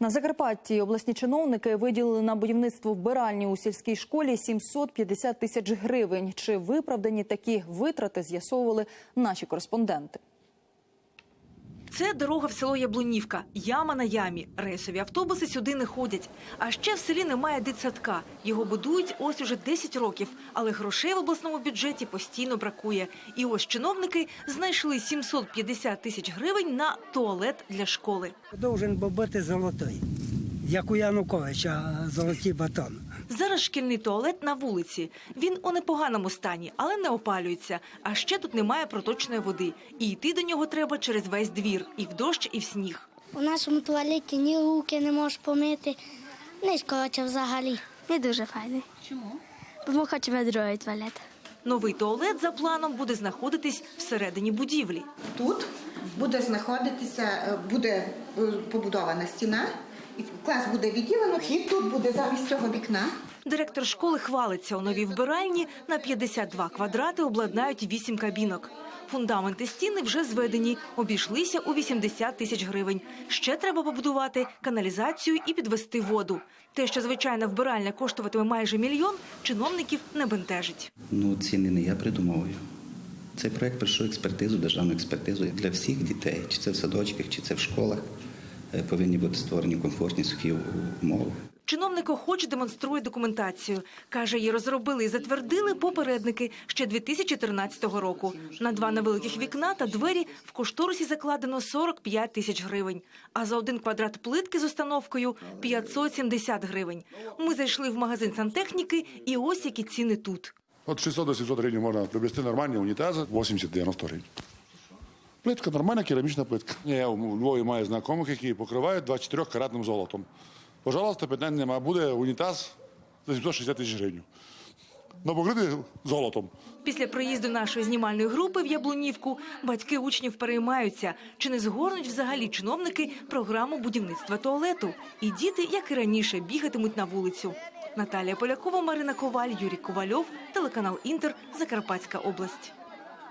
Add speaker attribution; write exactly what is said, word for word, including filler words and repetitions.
Speaker 1: На Закарпатті обласні чиновники виділили на будівництво вбиральні у сільській школі сімсот п'ятдесят тисяч гривень. Чи виправдані такі витрати, з'ясовували наші кореспонденти.
Speaker 2: Це дорога в село Яблунівка. Яма на ямі. Рейсові автобуси сюди не ходять. А ще в селі немає дитсадка. Його будують ось уже десять років. Але грошей в обласному бюджеті постійно бракує. І ось чиновники знайшли сімсот п'ятдесят тисяч гривень на туалет для школи.
Speaker 3: Должен би бути золотий, як у Януковича золотий батон.
Speaker 2: Зараз шкільний туалет на вулиці. Він у непоганому стані, але не опалюється. А ще тут немає проточної води. І йти до нього треба через весь двір. І в дощ, і в сніг.
Speaker 4: У нашому туалеті ні руки не можеш помити, ні, коротше, взагалі.
Speaker 5: Не дуже файний.
Speaker 4: Чому?
Speaker 5: Бо ми хочемо другий туалет.
Speaker 2: Новий туалет, за планом, буде знаходитись всередині будівлі.
Speaker 6: Тут буде знаходитися, буде побудована стіна, і клас буде відділено, вхід тут буде замість цього вікна.
Speaker 2: Директор школи хвалиться, у новій вбиральні на п'ятдесят два квадрати обладнають вісім кабінок. Фундаменти стіни вже зведені, обійшлися у вісімдесят тисяч гривень. Ще треба побудувати каналізацію і підвести воду. Те, що звичайна вбиральня коштуватиме майже мільйон, чиновників не бентежить.
Speaker 7: Ну, ціни не я придумовую. Цей проект пройшов експертизу, державну експертизу для всіх дітей, чи це в садочках, чи це в школах. Повинні бути створені комфортні, сухі умови.
Speaker 2: Чиновник охоче демонструє документацію. Каже, її розробили і затвердили попередники ще дві тисячі тринадцятого року. На два невеликих вікна та двері в кошторисі закладено сорок п'ять тисяч гривень. А за один квадрат плитки з установкою – п'ятсот сімдесят гривень. Ми зайшли в магазин сантехніки і ось які ціни тут.
Speaker 8: От шістсот до сімсот гривень можна приобрести нормальні унітази, вісімдесят дев'яносто гривень. Плитка нормальна, керамічна плитка. Я у Львові маю знайомих, які покривають двадцять чотири каратним золотом. Пожалуйста, питань нема. Буде унітаз за сімсот шістдесят тисяч гривень. Но покритий золотом.
Speaker 2: Після приїзду нашої знімальної групи в Яблунівку батьки учнів переймаються, чи не згорнуть взагалі чиновники програму будівництва туалету. І діти, як і раніше, бігатимуть на вулицю. Наталія Полякова, Марина Коваль, Юрій Ковальов, телеканал «Інтер», Закарпатська область.